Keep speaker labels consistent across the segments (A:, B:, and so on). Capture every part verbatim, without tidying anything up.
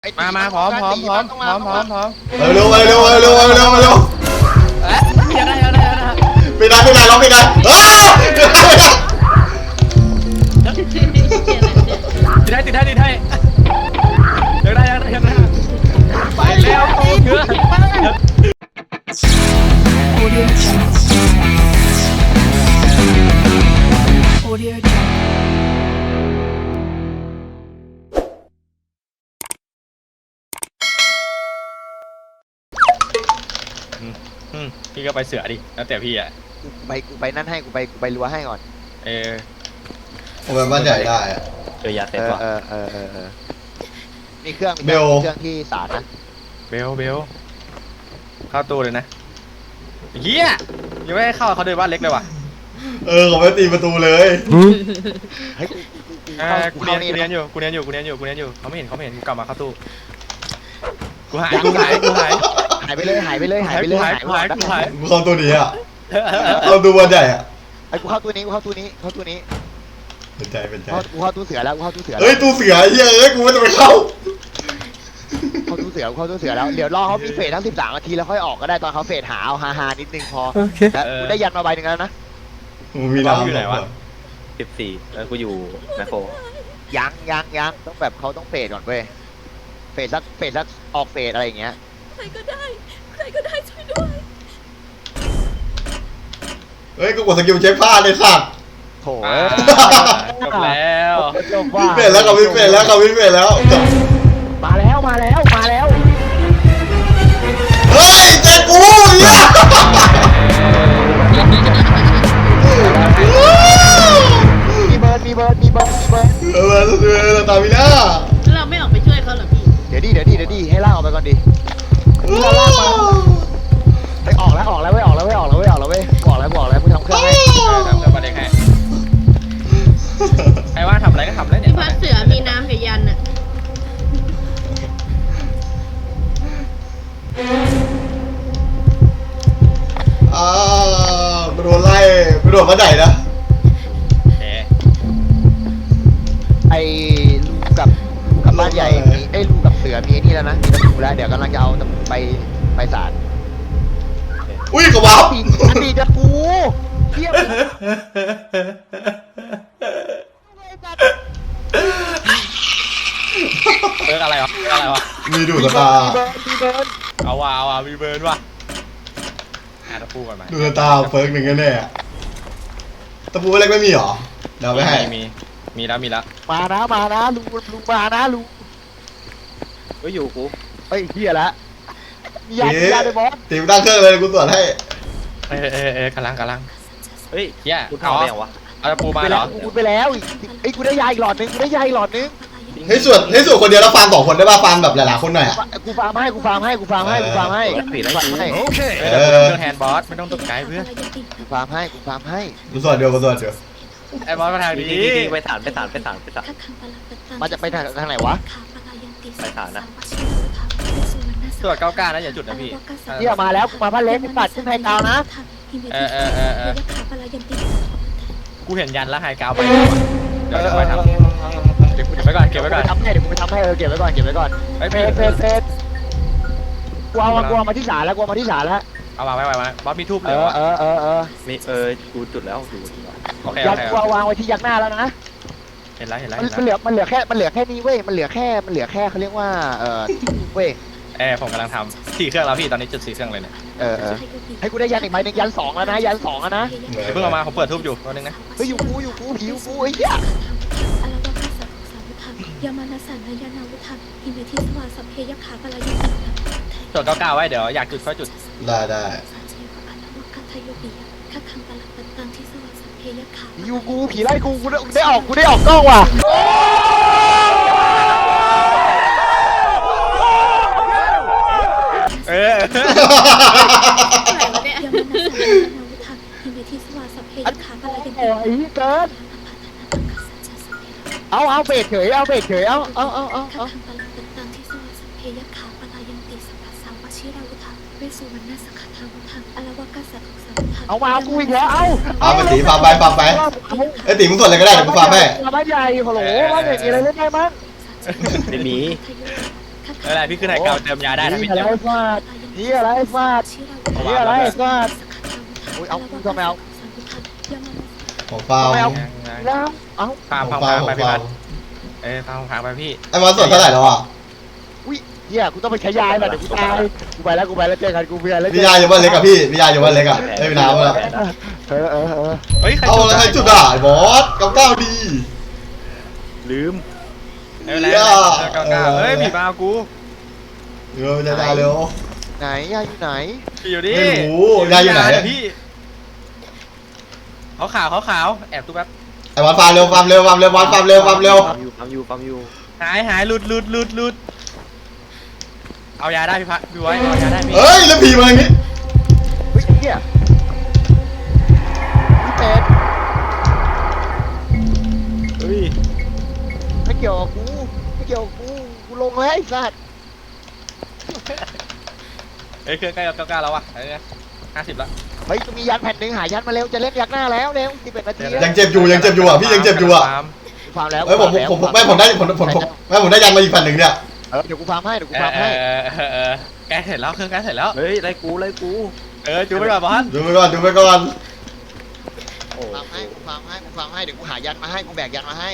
A: มามาพร้อมพร้อมพร้อมพร้อมพร้อมพร้อม
B: เร็วเร็วเร็วเร็วเร็วเร็วเร็ว
A: ยังไงยังไงยังไง
B: ไม่ได้ไม่ได้ร้องไม่ได้เอ้ย
A: ติดได้ติดได้ติดได้ยังได้ยังได้ยังได้ไปแล้วโตเยอะพี่ก็ไปเสือดิแล้วแต่พี่อ่ะ
C: กูไปกูไปนั่นให้กูไปกูไปรั้วให้ก่อน
A: เออ
B: ผมเป็นบ้านใหญ่ได้อะ
A: เจอยาเสร็จว่ะ
C: เออเออเออเออมีเครื่อง
B: เบล
C: เครื่องที่ศาลนะ
A: เบลเบลเข้าตู้เลยนะเฮียยังไม่ให้เข้าเขาเดินบ้านเล็กเลยว่ะ
B: เออเขาไม่ตีประตูเลย
C: เฮ้ย
A: กูเรียนกูเรียนอยู่กูเรียนอยู่กูเรียนอยู่กูเรียนอยู่เขาไม่เห็นเขาไม่เห็นกูกลับมาเข้าตู้กูหายกูหายกูหาย
C: หายไปเลยหายไปเลยหายไปเลย
A: หายหายกูหาย
B: กูเข้าตัวนี้อ่ะเข้าตัวบ้านใหญ่อ่ะ
C: ไอ้กูเข้าตัวนี้กูเข้าตัวนี้เข้าตัวนี้
B: เป็นใจเป็นใจ
C: กูเข้าตู้เสือแล้วกูเข้าตู้เสือ
B: เฮ้ยตู้เสือเฮ้ยเอ้ยกูไม่ต้องไปเข้า
C: เข้าตู้เสือเข้าตู้เสือแล้วเดี๋ยวรอเขามีเฟสทั้งสิบสามนาทีแล้วค่อยออกก็ได้ตอนเขาเฟสหาเอาฮาฮานิดนึงพอกูได้ยันมาใบหนึ่งแล้วนะ
B: มีน้ำ
A: อยู่ไหนวะ
D: สิบสี่แล้วกูอยู่แมคโคร
C: ยังยังยังต้องแบบเขาต้องเฟสก่อนเว้ยเฟสสักเฟสสักออกเฟสอะไรอย่างเงี้ย
E: ใครก็ได้ใครก็ได้ช่วยด้วย
B: เฮ้ยกูกดสกิลเช็คผ้าเลยสัตว์
C: โถ
A: จบแล้ว
B: วิเฟสแล้วกับวิเฟสแล้วกับวิเฟสแล้ว
C: มาแล้วมาแล้วมาแล้ว
B: เฮ้ยเจ๊กูเนี่ย
C: มีเบิร์ดมีเบิร์ดมีเบิร์ดมีเบิร์ด
B: เออเออตามิน่า
E: เราไม่ออกไปช่วยเขาหรอพี่
C: เดี๋ยวดิเดี๋ยวดิเดี๋ยวดิให้ล่างออกไปก่อนดิเราล่างมาไปออกแล้วออกแล้วเว้ยออกแล้วเว้ยออกแล้วเว้ยออกแล้วเว้ยออกแล้วออกแล้วกูทำเครื่องให้
A: ทำเครื่องประเด็นให้ใครว่าทำอะไรก็ทำเลยเนี่ย
E: พัดเสือมีน้ำกับยันอะ
B: อ้าวไปโดนไล่ไปโดนมาไหนนะ
C: ไอ้ลูกกับกับบ้านใหญ่มีไอ้ลูกกับเสือมีนี่แล้วนะมีตะปูแล้วเดี๋ยวกำลังจะเอาไปไปศาล
B: อุ้ยกระวับ
C: ปีจะกูเทียบ
A: เบิร์ดอะไรวะอะไรวะ
B: มีดูตา
C: มีเบิร์ด
A: เอาว่ะเอาว่ะมีเบิร์ดว่ะหาตะปูก่อนไหม
B: ดูตาเฟิร์กหนึ่งแน่ตะปูอะไรไม่มีหรอเดี๋ยวไปให้
A: มีมีแล้วมีแล้ว
C: มานะมานะลุงลุงมานะลุง
D: ก็อยู่กู
C: เฮ้ยเฮียละมียามียาเลยบอส
B: ตีมตั้งเครื่องเลยกูตรวจให้
A: เออเออเออกำลังกำลัง
D: เฮ้ย
A: เฮีย
D: กูทำอะไรอย่างวะ
A: เอาตะปูมาเหรอ
C: กูไปแล้วไอ้กูได้ยาอีกหลอดนึงกูได้ยาอีกหลอดนึง
B: ให้ส่วนให้ส่วนคนเดียวแล้วฟาร์มสองคนได้ป่ะฟาร์มแบบหลายๆคนหน่อยอ่ะ
C: กูฟาร์มให้กูฟาร์มให้กูฟาร์มให้กูฟาร์มให้
D: ผิดแล้วให้
A: โอเคเออเครื่องแฮนด์บอสไม่ต้องตกใจเพื่อน
C: กูฟาร์มให้กูฟาร์มให้
B: กูส่วนเดียวกูส่วนเดียว
A: ไอ้บอสมาทางนี้
D: ไปศาลไปศาลไปศาลไปศาล
C: มาจะไปทางทางไหนวะ
D: ไปศาลนะ
A: ตรวจเก้าก้านะอย่าจุดนะพี่
C: เฮียมาแล้วกูมาพันเล็กปัดขึ้นไฮกาวนะ
A: เออเออเออเออกูเห็นยันแล้วไฮกาวไปเดี๋ยวจะไปทำเก็บไว้ก่อนเก็บไว้ก่อน
C: ทำให้เดี๋ยวกูไปทำให้เออเก็บไว้ก่อนเก็บไว้ก่อน
A: ไอ้
C: เฟสเฟสเฟสกูเอากูเอามาที่ศาลแล้วกูเอามาที่ศาลแล้ว
A: เอาวางไว้ไว้บอสมีทูบเลย
C: เออเออเออเออ
D: มีเออกูจุดแล้วดู
A: โอเค
C: ยันกูเอาวางไว้ที่ยักษ์หน้าแล้วนะ
A: เห็นแล้วเห็นแล้ว
C: มันเหลือมันเหลือแค่มันเหลือแค่นี้เว้ยมันเหลือแค่มันเหลือแค่เขาเรียกว่าเออเว้ย
A: เออผมกำลังทำสี่เครื่องแล้วพี่ตอนนี้จุดสี่เครื่องเลยเนี่ย
C: เออเออให้กูได้ยันอีกใบหนึ่งยันสองแล้วนะยันสองแล้วนะ
A: เพิ่งเอามาผมเปิดทูบอยู่ตัวนึงนะ
C: เฮ้ยอยู่กูอยู่กูผิวกูไอ้เหี้ย
E: ยามานาสันยานาวุฒหิมิทิสวาสัพเพยขาปลายติ
A: จดเก้าเก้าไว้เดี๋ยวอยากจุดค่อยจุด
B: ได้ได้
C: อยู่กูผีไล่กูกูได้ออกกูได้ออกกล้องว่ะ
A: เออ
C: โอ้ยเกินเอาเอาเบรกเฉยเอาเบรกเฉยเอาเอาเอาเอาเอาเอามาเอากูอีกแล้วเอา
B: เอาไปตีฟาร์มไปฟาร์มไปไอ้ตีมึงส่วนอะไรก็ได้เดี๋ยวกูฟาร์มให้
C: บ้านใหญ่ฮัลโหลบ้านใหญ่มีอะไรเล่นได้มั้ง
D: ไม่มี
A: อะไรพี่ขึ้นไฮเกาเติมยาได้นะพี่
C: อะไร
A: เจ็บ
C: ฟาดนี่อะไรฟาดนี่อะไรฟาดโอ้ยเอากูทำไมเอา
B: ของฟาว
C: ทำไมเอาแล้วเอา
A: พา
B: ข
A: พา
B: องฟา
A: พาว
B: ข
A: ไป
B: อง
A: พี่
B: ฟา
A: บั
B: ว
A: สเอ้ยพาพาไปพี่
B: ไอ้มาส่วนเท่าไหร่แล้วอ่ะ
C: อุ้ยเฮียกูต้องไปใช้ยาแบบเดี๋ยวกูตายกูไปแล้วกูไปแล้วเจอกันกูเพื่อนแล้ว
B: พี่ยาอยู่บ้านเล็กกับพี่พี่ยาอยู่บ้านเล็กอ่ะไม่มีน้ำแล้ว
C: เออเออเออ
A: เฮ้ยใคร
B: เอาแล้วใครจุดอ่ะไอ้บอสเก้าเก้าดี
D: ลืม
A: เอ้ยแล้วเก้าเก้าเฮ้ยผีมากู
B: เร็วจะได้เร็ว
C: ไหนยาอยู่ไหน
A: พี่อยู่ดิ
B: ไม่รู้ยายอยู่ไหน
A: พี่เขาขาวเขาขาวแอบตู้แป๊บ
B: ไอ้บอสฟาร์มเร็วฟาร์มเร็วฟาร์มเร็วบอสฟาร์มเร็วฟาร์มเร็ว
D: ปั๊มอยู่ปั๊มอยู่ปั๊มอยู่
A: หายหายหลุดหลุดหลุดหลุดเอายาได้พี่พัดพี่ไว้เอายาได้พี่
B: เฮ้ยแล้วผีมาอย่างนี้
C: เฮ้ยเฮียพี่เป็ด
D: เฮ้ย
C: ไม่เกี่ยวกับกูไม่เกี่ยวกับกูกูลงแล้วไอ้สัตว์
A: เอ้ยเครื่องใกล้กับเก้าเก้าแล้ววะเอ้ยห้าสิบละ
C: เฮ้ยกูมียันแผ่นหนึ่งหายันมาเร็วจะเล่นยักหน้าแล้วเร็วสิบเอ็ดนาที
B: ยังเจ็บอยู่ยังเจ็บอยู่อ่ะพี่ยังเจ็บอยู่อ่ะ
C: กูฟาร์มแล้ว
B: เฮ้ยผมผมผมไม่ผมได้ผมผมผมไม่ผมได้ยันมาอีกแผ่นหนึ่งเนี่ย
C: เออเดี๋ยวกูฟาร์มให้เดี๋ยวกู
A: เอ
C: ฟา
A: อ
C: ร์ม
A: เอ
C: ให้
A: อเออเออใกล้เสร็จแล้วเครื่องใกล้เสร็จแล้ว
D: เฮ้ยไล่กูไล่กู
A: เออจูไปก่อนบอส
B: ดูไปก่อนดูไปก่อน
D: โอ้
C: ฟาร์มให้กูฟาร์มให้กูฟาร์มให้เดี๋ยวกูหายันมาให้กูแบกยันมาให้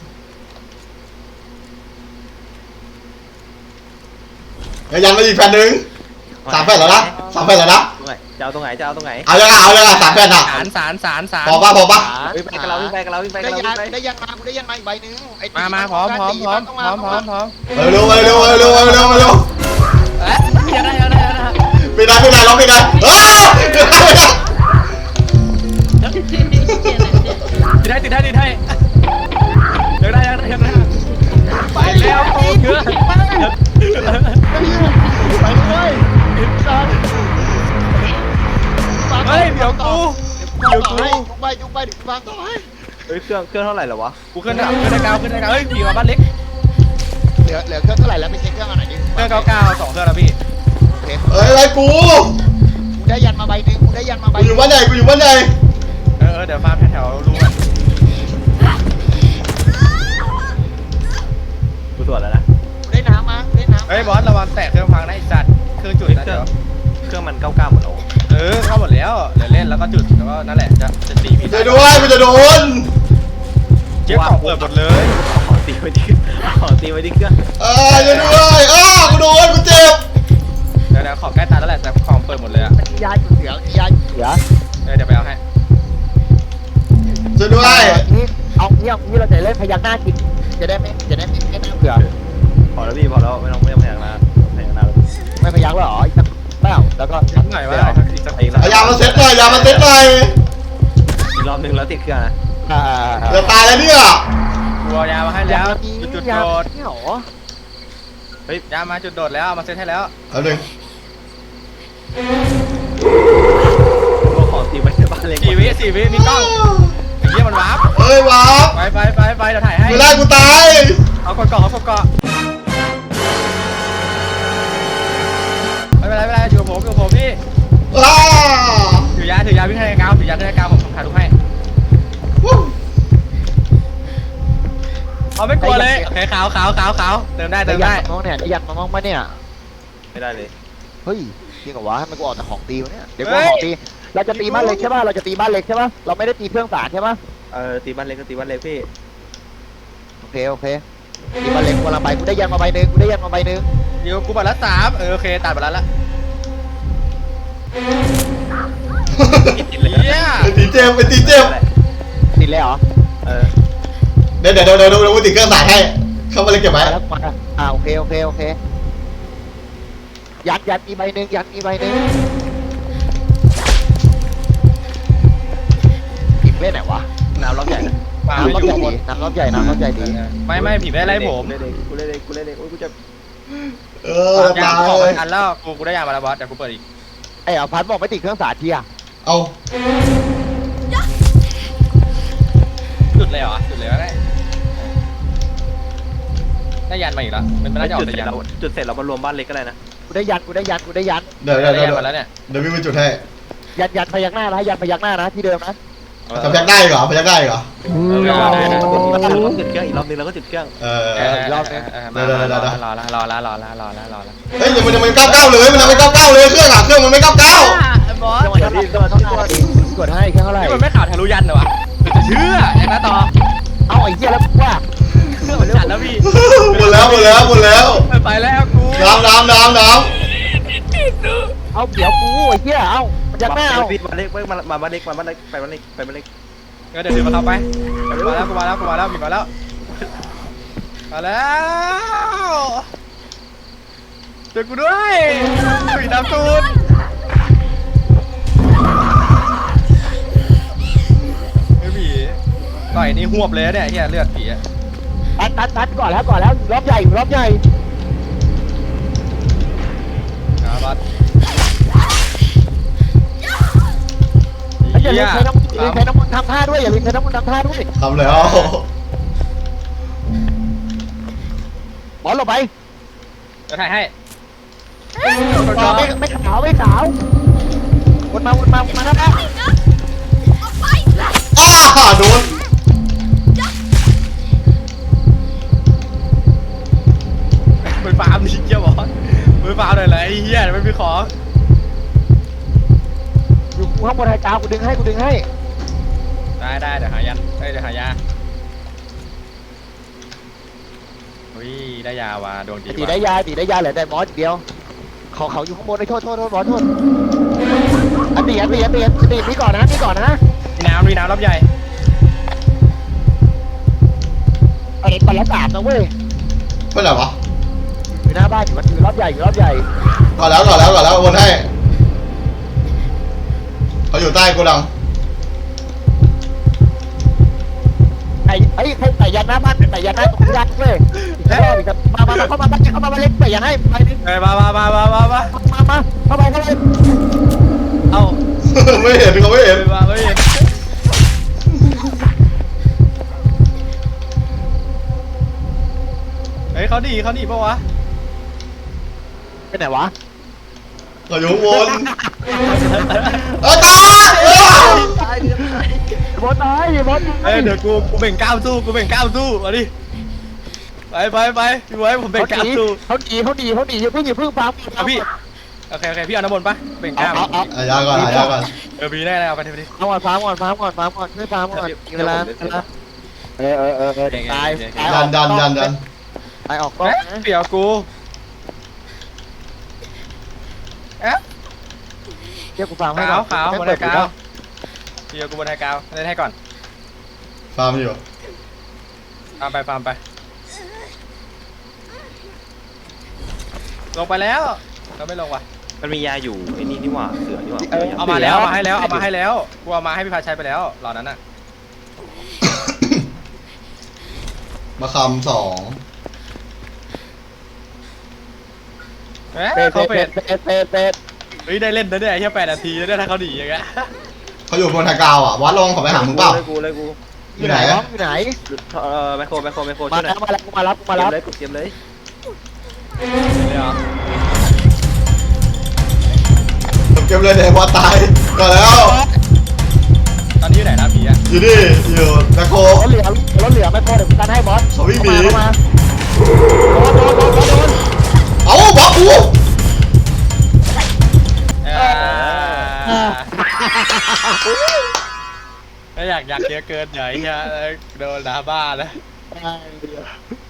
B: เฮ้ยยันมาอีกแผ่นหนึ่งสามแผ่นแล้วนะสามแผ่นแล้วนะ
D: ตรงไหนจะเอาตรงไหนจะเอาตรงไหน
B: เอายังไงเอายังไงสามแผ่นอ่ะ
A: สารสารสารสาร
B: พอป่ะพอป่ะ
D: เฮ้ยไปกับเราวิ่งไปกับเราวิ่งไปกั
C: ได้
D: บเรา
C: ยั
D: วิ่
C: น
D: งไป
C: ได้ยันมากูได้ยันมาอีกใบหนึ่งไอ้
A: มามาพร้อมพร้อมพร้อมพร้อมพร้อมพร้อม
B: เร็วเร็วเร็วเร็วเร็วเร็วเร็ว
A: เอ๊ะยังได้ยังได้ยังได้
B: ไม่ได้ไม่ได้ร้องไม่ได้เอ้ย
A: ติดได้ติดได้ติดได้ยังได้ยังได้ยังได้ไปแล้วโตเยอะ
C: ไปเลยสัตว์
A: เฮ้ยเดี๋ยวกู
C: เดี๋ยวกูจุกไปจุกไปเดี๋ยวกูฟาร์มต่อให้
D: เฮ้ยเครื่องเครื่องเท่าไหร่แล้ววะ
A: กูขึ้นดับขึ้นได้เก้าขึ้นได้เก้าเฮ้ยผีมาบ้านเล็ก
C: เหลือเหลือเครื่องเท่าไหร่แล้วไปเช็คเครื่องอันไหนดิ
A: เครื่องเก้าเก้าสองเครื่องแล้วพี่
C: โอเค
B: เอ้ยอะไรกู
C: กูได้ยันมาใบหนึ่งกูได้ยันมาใบ
B: กูอยู่บ้านใหญ่กูอยู่บ้านใหญ่
A: เออเดี๋ยวฟาร์มแถวๆรู
D: กูตรวจแล้วนะ
C: กูได้น้ำมากูได้น้ำ
A: เฮ้ยบอสระวังแตกเครื่องพังนะไอ้สัตว์เครื่องจุด
D: เฮ้ย
A: นะ
D: เครื่
A: เดี๋
D: อง
A: ยว
D: เครื่องมันเก้าเก้าหมดแล้ว
A: เออเข้าหมดแล้วเดี๋ยวเล่นแล้วก็จุดแล้วก็นั่นแหละจะจะตีพี่
B: ช่วยด้วยมันจะโดน
A: เจ๊กล่องเปิดหมดเลย
D: ขอตีไว้ที่ขอตีไว้ที่เครื่อง
B: เอ้ยช่วยด้วยอ้าวกูโดนกูเจ็บ
A: เดี๋ยวเดี๋ยวขอบใกล้ตาแล้วแหละแต่ของเปิดหมดเลยอะ
C: มันมียาอยู่เสือมียาอยู่เสือ
A: เออเดี๋ยวไปเอาให้
B: ช่วยด้วย
C: นี่เอาเงี้ยเอางี้เราจะเล่นพยักหน้ากินจะได้ไม่จะได้ไม่ไม่น่าเบื่อ
D: พอแล้วพี่พอแล้วไม่ต้องไม่ต้องพยายามนะพยายามนะ
C: ไม่พยักหรออีกสักเปล่าแล้วก็
A: นิดหน่อยว่าอีกสักอีกสัก
B: เอายามาเซ็ตหน่อยยามาเซ็ตหน่อย
D: อีกรอบหนึงแล้วติดเครื่องนะ
C: อ่า
B: จะตายแล้วเนี่ย
A: กูเอายามาให้แล้วจุดจุด
C: ยา
A: โดด
C: นี่หรอ
A: เฮ้ยยามาจุดโดดแล้วเอามาเซตให้แล้ว
B: เอาหนึ่ง
D: ตัวของตีไว้ที่บ้านเล็ก
A: สี่วิสี่วิมีกล้องไอ้เหี้ยมันวาร์ป
B: เอ้ยว้าว
A: ไปไปไปไปเดี๋ยวถ่ายให้
B: ไม่ได้กูตาย
A: เอากดเกาะเอากดเกาะไม่เป็นไรไม่เป็นไรอยู่กับผมอยู่กับผมพี่
B: อ้า
A: ถือยาถือยาวิ่งให้กาวถือยาให้กาวผมผมถ่ายรูปให้
B: วู้
A: เอาไม่กลัวเลยโอเคขาวขาวขาวขาวเติมได้
C: ได้
A: เติม
C: ยั
A: ได้
C: นมามองเนี่ยได้ยันมามองมาเนี่ย
D: ไม่ได้เลย
C: เฮ้ยจริงเหรอวะทำไมกูออกแต่ของตีวะเนี่ยเดี๋ยวกูของตีเราจะตีบ้านเล็กใช่ป่ะเราจะตีบ้านเล็กใช่ป่ะเราไม่ได้ตีเครื่องสารใช่ป่ะ
D: เออตีบ้านเล็กก็ตีบ้านเล็กพี่
C: โอเคโอเคตีบ้านเล็กคนละใบกูได้ยันมาใบหนึ่งกูได้ยันมาใบหนึ่ง
A: เดี๋ยวกูบัตรละสามเออโอเคตัดบัตรละละเฮีย
B: ไอ้ตีเจมไอ้ตีเจม
C: ติดเลยเหรอ
D: เออ
B: เดี๋ยวเดี๋ยวเดี๋ยวเดี๋ยวเดี๋ยวกูติดเครื่องสายให้เข้ามาเลยเก็บไว้
C: มาแล้วมาอ่าโอเคโอเคโอเคยัดยัดมีใบหนึ่งยัดมีใบหนึ่งผิดเล่นไหนวะ
D: น้ำล็อกใหญ่นะ
A: มา
C: น้ำ
A: ไม่
C: รอบ
A: อ
C: ใหญ่
A: ยู่
C: ดีน้ำรอบใหญ่น้ำรอบใหญ่ดี
A: ไม่ไม่ผีไม่ไล่ผม
D: กูเล่นเองกูเล่นเองกูเล่นเองโอ้ยกูจะ
B: เออจะ
A: ยา
B: ตาย
A: ของ
B: เล
A: ไป
B: ย
A: อันแล้วกูกูได้ยามาแล้วบอสเดี๋ยวกูเปิดอีก
C: ไอ้เอาพัดบอกไม่ติดเครื่องสาดทีอะ
B: เอา
A: จุดเลยเหรอจุดเลยก็ได้ได้ยันมาอีกแล้วมันไม่น่าจะออก
D: จุด
A: แต่
D: เสร็จ
A: ยัน
D: เราจุดเสร็จเรามารวมบ้านเล็กก็ได้นะ
C: กูได้ยันกูได้ยันกูได้ยัน
B: เดี๋ยวเดี๋ยว
A: ได้
B: เดี๋ย
A: ยัน
B: ว
A: มาแล้วเนี่ย
B: เดี๋ยววิ่งไปจุดให้
C: ยันยันพยักหน้านะยันพยักหน้านะที่เดิมนะ
B: โจะยักได้เหรอพยักได้เหรอ
A: ได้นะ
D: เราก็จุดเครื่องอีกรอบนึงเราก็จุดเครื่อง
B: เออ
A: เออรอบนี้มารอละรอละรอละรอละรอละรอละ
B: เฮ้ยยังมันยังไม่เก้าเก้าเลยมันยังไม่เก้าเก้าเลยเครื่องอะเครื่องมันไม่เก้าเก้า
A: บอส
C: จังหวะนี้จังหวะเท่าไหร่กดให้แค่เท่าไหร่
A: นี่มันไม่ข่าวทะลุยันเหรอวะจะเชื่ออย่างนั้นต่อ
C: เอาไอ้เหี้ยแล้วว่า
A: เครื่องมันจัดแล้วพี่
B: หมดแล้วหมดแล้วหมดแล้ว
A: ไปแล้วกู
B: น้ำน้ำน้ำน้
C: เอาเดี๋ยวกูไอ้เหี้ยเอามันจะไม่เอา
D: บ้านเล็กมามาบ้านเล็กมาบ้านเล็กไปบ้านเล็กไปบ้านเล็ก
A: ก็เดี๋ยวเดินมาเข้าไปมาแล้วกูมาแล้วกูมาแล้วมีมาแล้วมาแล้วเจอกูด้วยผีน้ำตูนไอ้ผีต่อยนี่หวบเลยเนี่ยเฮียเลือดผีอะ
C: ตัดตัดตัดก่อนแล้วก่อนแล้วรอบใหญ่รอบใหญ่
A: ครับบอส
C: อย่าลืมใช้น้ำอย่าลืมใช้น้ำมันทำท่าด้วยอย่าลืมใช้น้ำมันทำท่าด้วย
B: ำทำแล้ว
C: บอลลงไป
A: จะถ่ายให้
C: ไม่ไม่ขาวไม่ขาววนมาวนมาวนมาแล้วนะ
B: อ้าโดน
A: มือฟาร์มนี่เจ้าบอสมือฟาร์มหน่อยเลยไอ้เหี้ยไม่มีของ
C: อยู่กูข้างบนไฮกาวกูดึงให้กูดึงให้
A: ได้ได้เดี๋ยวหายันเอ้ยเดี๋ยวหายาอุ้ยได้ยาว่ะดวงดี
C: ตี
A: ว่ะ
C: ได้ยาตีได้ยาเหลือได้มอสเดียวเขาเขาอยู่ข้างบนไอ้โทษโทษโทษบอสโทษอันตีอันตีอันตีอันตีนี่ก่อนนะนี่ก่อนนะ
A: มีน้ำมีน้ำรอบใหญ่
C: ไอ้ปลาสามนะเว้ย
B: ไม่ไหนวะ
C: อยู่หน้าบ้านอยู่มันอยู่รอบใหญ่อยู่รอบใหญ่
B: ก่อนแล้วก่อนแล้วก่อนแล้ววนให้เขาอยู่ใต้โกดัง
C: ไอ้ไอ้ใครใส่ยันหน้าบ้านใส่ยันหน้าตรงยันเว้ยมามามาเข้ามาบ้านเข้ามาบ้านเล็กใส่ยันให้ไปดิ
A: เอ้ยมามามามามามา
C: มามาเข้าไปเข้าไป
A: เอ้า
B: ไม่เห็นเขาไม่เห็น
A: มาไม่เห็นเฮ้ยเขาดีเขาดีปะวะ
C: ไปไหนวะ
B: เขาอยู่ข้างบนเอาตาย
C: บอสตายบอส
A: เอ้ยเดี๋ยวกูกูเบ่งกล้ามสู้กูเบ่งกล้ามสู้มาดิไปไปไปพี่ไว้ผมเบ่งกล้ามสู้
C: เขาดีเขาดีเขาดีอย่าเพิ่งอย่าเพิ่งฟัง
A: เอาพี่โอเคโอเคพี่เอาน้ำมนต์ปะเบ่งกล้าม
C: เอาเอา
B: อายาก่อนอายาก่อน
A: เออพี่ได้แล้วเอาไปทีไปดิ
C: เอาก่อนฟังก่อนฟังก่อนฟังก่อนช่วยฟังก่อนเวลาเวลาเออเออเออเออตายตาย
B: ดันดันดันดัน
C: ตายออกกล้อง
A: เอ๊ะ
C: นะ
A: เดี๋ยวกูเอ๊ะ
C: เดี๋ยวกูฟังให้
A: ขาวขาวบนไฮกาวเดี๋ยวกูบนไฮกาวเล่นให้ก่อน
B: ฟาร์มอยู่
A: ฟาร์มไปฟาร์มไปลงไปแล้วเราไม่ลงว่ะ
D: มันมียาอยู่ไอ้นี่นี่หว่าเสือนี่หว่า
A: เอามาแล้วเอามาให้แล้วเอามาให้แล้วกูเอามาให้พี่พาชัยไปแล้วเหล่านั้นน่ะ
B: มาคำสอง
A: เอ๊ะ
C: เป็ด
A: เขา
C: เป็
A: เป็
C: ด
A: ด
C: เป็ดเป็ดเป็ด
A: เฮ้ยได้เล่นนะเนี่ยแค่แปดนาทีแล้วเนี่ยถ้าเขาหนีอย่างเงี้ย
B: เขาอยู่บนไฮกราวอ่ะวัดลงขอไปหามึงเปล่า
D: เลยกูเลยกู
B: อยู่ไหน
C: น้องอยู่ไหน
D: เออแมคโครแมคโครแมคโคร
C: มา
D: ช่วยหน่
C: แล้
D: อยว
C: มาแล้วมารับมา
D: เตรี
C: รั
D: ย
C: บ
D: มเลยกูเตรียมเลย
A: เลยเหรอ
B: เก็บเลยเดี๋ยววัดตายก่อนแล้ว
A: ตอนนี้อยู่ไหนนะผีอะ
B: อยู่นี่อยู่แมคโคร
C: รถเหลือรถเหลือไม่พอเดี๋ยวกันให้บอส
B: เขาวิ่งหนี
C: เข้ามาโดนโดนโดนโดน
B: เอ้าบล็อกกู
A: อ่าถ้าอยากอยากเยอะเกินอย่าไอ้เหี้ยโดนด่าบ้านะ
C: โดน